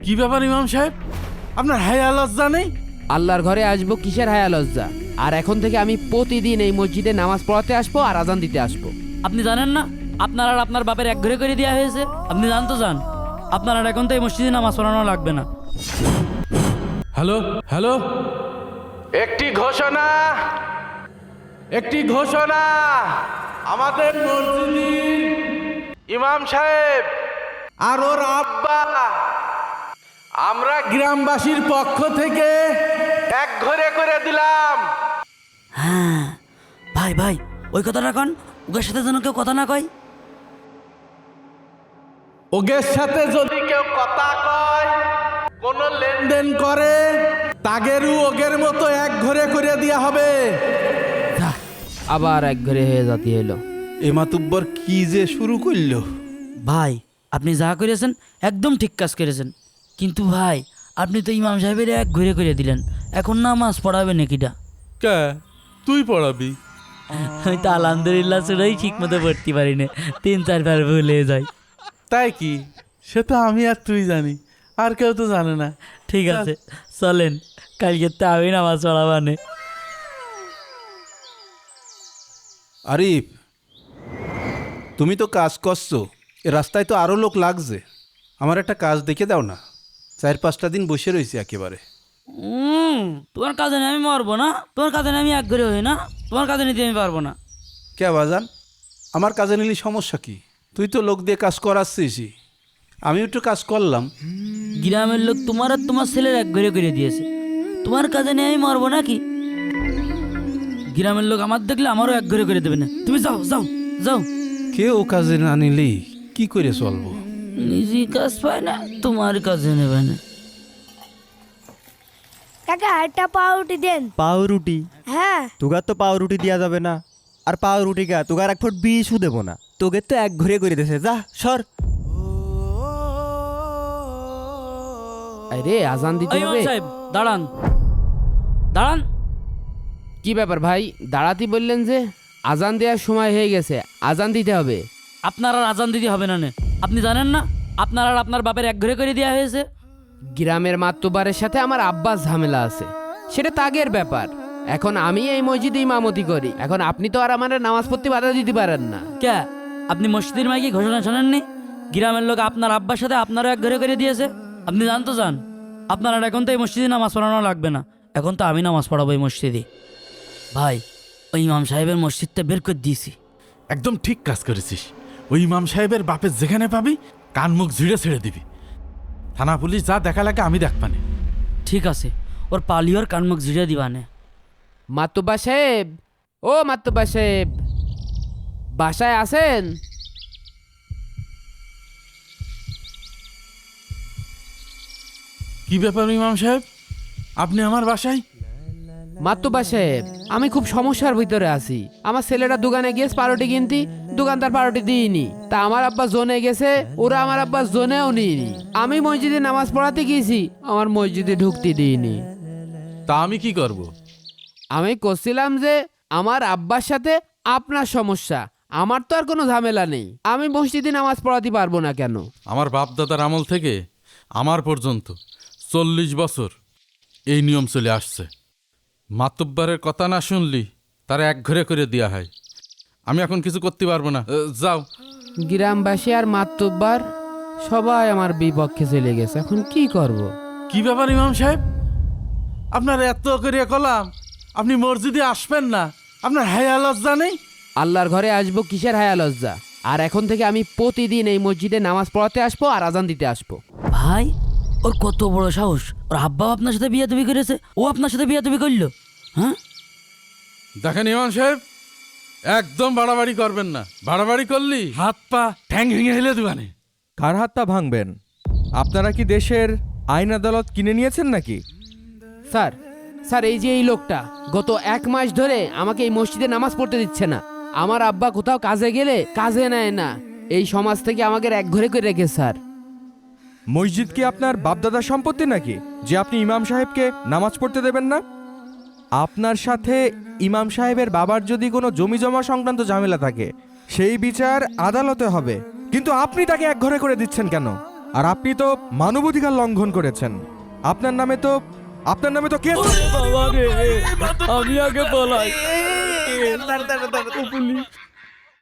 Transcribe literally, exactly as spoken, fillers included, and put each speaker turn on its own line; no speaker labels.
কি ব্যাপার ইমাম সাহেব, আপনার হায়া লজ্জা নেই?
আল্লাহর ঘরে আসবো কিসের হায়া লজ্জা? আর এখন থেকে আমি প্রতিদিন এই মসজিদে নামাজ পড়াতে আসবো আর আজান দিতে আসবো।
আপনি জানেন না আপনার আর আপনার বাপের এক ঘরে করে দেওয়া হয়েছে? আপনি জান তো যান, আপনার আর এখন তো এই মসজিদে নামাজ পড়ানো লাগবে না।
হ্যালো হ্যালো, একটি ঘোষণা, একটি ঘোষণা। আমাদের মসজিদের ইমাম সাহেব আর ওর আব্বা আমরা গ্রামবাসীর পক্ষ থেকে এক ঘরে করে দিলাম।
হ্যাঁ ভাই ভাই, ওই কথাটা কন, ওদের সাথে যেন কেউ কথা না কয়।
ওগের সাথে যদি কেউ কথা কয়, কোন লেনদেন করে, তাগেরও ওগের মতো এক ঘরে করে দেওয়া হবে।
আবার এক ঘরে হয়ে জাতি এলো।
এ মাতুব্বর কি যে শুরু করলো।
ভাই আপনি যা করেছেন একদম ঠিক কাজ করেছেন, কিন্তু ভাই আপনি তো ইমাম সাহেবের এক ঘুরে করে দিলেন, এখন নামাজ পড়াবে নাকিটা?
কে তুই পড়াবি?
আমি তো আলহামদুলিল্লাহ শুনেই ঠিক মতো পড়তে পারি না, তিন চারবার ভুলে যাই।
তাই কি? সে তো আমি আর তুই জানি, আর কেউ তো জানে না।
ঠিক আছে চলেন, কালকে তো আমি নামাজ পড়াবানে।
আরিফ, তুমি তো কাজ করছো, এ রাস্তায় তো আরও লোক লাগছে। আমার একটা কাজ দেখে দাও না, চার পাঁচটা দিন বসে রয়েছি একেবারে।
হুম তোমার কাজে নিয়ে আমি মরবো না, তোমার কাজে নিয়ে আমি এক ঘরে হই না, তোমার কাজে নিতে আমি পারবো না।
কে বাজান, আমার কাজে নিলি সমস্যা কি? তুই তো লোক দিয়ে কাজ করাচ্ছিস, আমি একটু কাজ করলাম।
গ্রামের লোক তোমার আর তোমার ছেলের এক ঘরে করে দিয়েছে, তোমার কাজে নিয়ে আমি মরবো নাকি? গ্রামের লোক আমার দেখলে আমারও এক ঘরে করে দেবে না। তুমি যাও যাও যাও।
কেউ কাজে না নিলি কি করে চলবো?
নিজে কাজ পায় না, তোমার কাজে নেবে না।
কাকা একটা পাউরুটি দেন।
পাউরুটি?
হ্যাঁ
তোগার তো পাউরুটি দেওয়া যাবে না। আর পাউরুটি গা তোগার এক ফুট বিষও দেবো না, তোকে তো এক ঘুরে করে দিয়েছে। যা সর।
আরে আজান দিতে
এই ইমাম
হবে।
সাহেব দাঁড়ান দাঁড়ান।
কি ব্যাপার ভাই, দাঁড়াতে বললেন যে? আজান দেওয়ার সময় হয়ে গেছে, আজান দিতে হবে।
আপনার আর আজান দিতে হবে না নে। আপনি জানেন না আপনার আর আপনার বাপের এক ঘরে করে দেওয়া হয়েছে?
গ্রামের মাতব্বরের সাথে আমার আব্বাস ঝামেলা আছে, সেটা তাগের ব্যাপার। এখন আমি এই মসজিদে ইমামতি করি, এখন আপনি তো আর আমার নামাজ পড়তে বাধা দিতে পারেন না।
কে আপনি মসজিদের মাইকে ঘোষণা শোনেননি? গ্রামের লোক আপনার আব্বার সাথে আপনারও এক ঘরে করে দিয়েছে। আপনি জান তো যান, আপনার আর এখন তো এই মসজিদে নামাজ পড়ানো লাগবে না, এখন তো আমি নামাজ পড়াবো এই মসজিদে। ভাই ওই ইমাম সাহেবের মসজিদটা বের করে দিয়েছি।
একদম ঠিক কাজ করেছিস। ওই ইমাম সাহেবের বাপের যেখানে পাবি কান মুখ ঝিড়ে ছেড়ে দিবি। থানা পুলিশ যা দেখা লাগে আমি দেখবানে।
ঠিক আছে, ওর পালিওর কানমুখ ঝিড়ে দিবানে।
মাতব্বা সাহেব, ও মাতব্বা সাহেব, বাসায় আছেন?
কি ব্যাপার ইমাম সাহেব, আপনি আমার বাসায়?
মাতব্বা সাহেব, আমি খুব সমস্যার ভিতরে আছি। আমার ছেলেটা দোকানে গিয়েছে পাউরুটি কিনতে, দোকানদার পাউরুটি দিইনি। তা আমার আব্বা জোনে গেছে, ওরা আমার আব্বা জোনেও নিইনি। আমি মসজিদে নামাজ পড়াতে গিয়েছি, আমার মসজিদে ঢুকতে দিইনি।
তা আমি কি করব?
আমি করছিলাম যে আমার আব্বার সাথে আপনার সমস্যা, আমার তো আর কোনো ঝামেলা নেই। আমি মসজিদে নামাজ পড়াতে পারবো না কেন?
আমার বাপ দাদার আমল থেকে আমার পর্যন্ত চল্লিশ বছর এই নিয়ম চলে আসছে। মাতব্বরের কথা না শুনলি তারা এক ঘরে করে দেওয়া হয়। আমি এখন কিছু করতে পারবো না, এ, যাও।
গ্রামবাসী আর মাতব্বার সবাই আমার বিপক্ষে চলে গেছে, এখন কি করব?
কি ব্যাপার ইমাম সাহেব, আপনার এত করে কলাম, আপনি মসজিদে আসবেন না? আপনার হায়া লজ্জা নেই?
আল্লাহর ঘরে আসবো কিসের হায়া লজ্জা? আর এখন থেকে আমি প্রতিদিন এই মসজিদে নামাজ পড়াতে আসবো আর আজান দিতে আসবো।
ভাই ওর কত বড় সাহস, ওর আব্বাও আপনার সাথে বিয়ে তুমি করেছে, ও আপনার সাথে বিয়ে তুমি করলো? হ্যাঁ
দেখেন ইমাম সাহেব, একদম বাড়াবাড়ি করবেন না। বাড়াবাড়ি করলি হাত পা ঠ্যাং ভেঙে হেলে দিবানে।
কার হাতটা ভাঙবেন? আপনারা কি দেশের আইন আদালত কিনে নিয়েছেন নাকি?
স্যার স্যার এই যে এই লোকটা গত এক মাস ধরে আমাকে এই মসজিদে নামাজ পড়তে দিচ্ছে না। আমার আব্বা কোথাও কাজে গেলে কাজে নেয় না, এই সমাজ থেকে আমাকে এক ঘরে করে রেখে। স্যার
মসজিদ কি আপনার বাপদাদার সম্পত্তি নাকি যে আপনি ইমাম সাহেবকে নামাজ পড়তে দেবেন না? আপনার সাথে ইমাম সাহেবের বাবার যদি কোনো জমি জমা সংক্রান্ত ঝামেলা থাকে সেই বিচার আদালতে হবে, কিন্তু আপনি তাকে এক ঘরে করে দিচ্ছেন কেন? আর আপনি তো মানবাধিকার লঙ্ঘন করেছেন। আপনার নামে তো আপনার নামে তো কেস।
বাবা রে, আমি আগে বলাই।
দাঁড়া দাঁড়া দাঁড়া